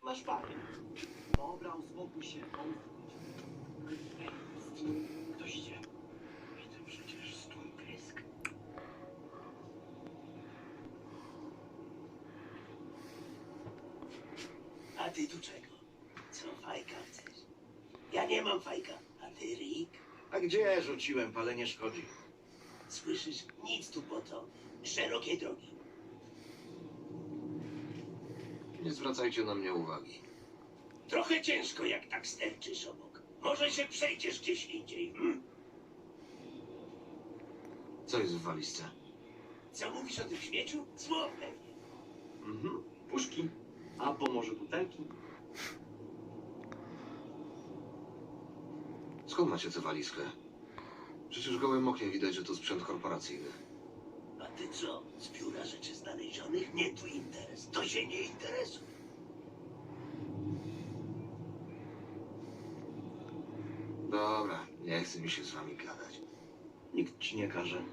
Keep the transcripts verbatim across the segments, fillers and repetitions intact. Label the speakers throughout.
Speaker 1: Masz panie. Dobra, uspokój się. Ej, ktoś idzie. Widzę przecież stąd prysk.
Speaker 2: A ty tu czego? Co fajka chcesz? Ja nie mam fajka. A ty, Rick?
Speaker 3: A gdzie rzuciłem, palenie szkodzi.
Speaker 2: Słyszysz? Nic tu po to. Szerokie drogi.
Speaker 4: Nie zwracajcie na mnie uwagi.
Speaker 2: Trochę ciężko, jak tak sterczysz obok. Może się przejdziesz gdzieś indziej, hm?
Speaker 4: Co jest w walizce?
Speaker 2: Co mówisz o tym śmieciu? Zło pewnie.
Speaker 1: Mhm. Puszki. Albo może butelki.
Speaker 4: Skąd macie tę walizkę? Przecież gołym okiem widać, że to sprzęt korporacyjny.
Speaker 2: A ty co? Z biura rzeczy znalezionych? Nie tu interes. To się nie interesuje.
Speaker 4: Dobra, nie chce mi się z wami gadać.
Speaker 3: Nikt ci nie każe.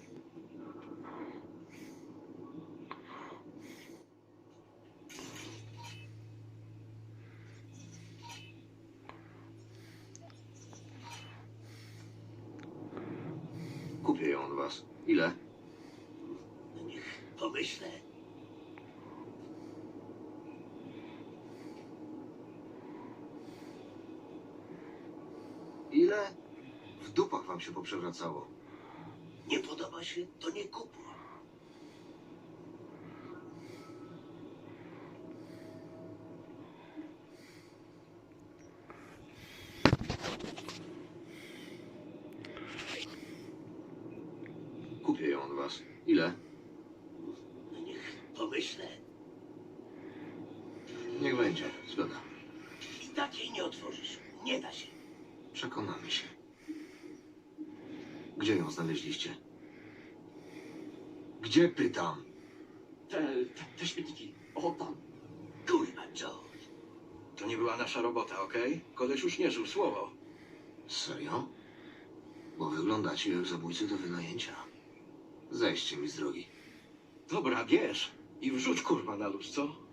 Speaker 4: Kupię ją od was. Ile?
Speaker 2: No niech pomyślę.
Speaker 4: Ile? W dupach wam się poprzewracało.
Speaker 2: Nie podoba się? To nie kupuj.
Speaker 4: Kupię ją od was. Ile?
Speaker 2: No niech pomyślę.
Speaker 4: Niech będzie. Zgoda.
Speaker 2: I tak jej nie otworzysz. Nie da się.
Speaker 4: Przekonamy się. Gdzie ją znaleźliście? Gdzie pytam?
Speaker 1: Te, te, te śmietniki. O, tam.
Speaker 2: Kurwa, George.
Speaker 3: To nie była nasza robota, okej? Koleś już nie żył słowo.
Speaker 4: Serio? Bo wyglądacie jak zabójcy do wynajęcia. Zejdźcie mi z drogi.
Speaker 3: Dobra, bierz. I wrzuć kurwa na luz, co?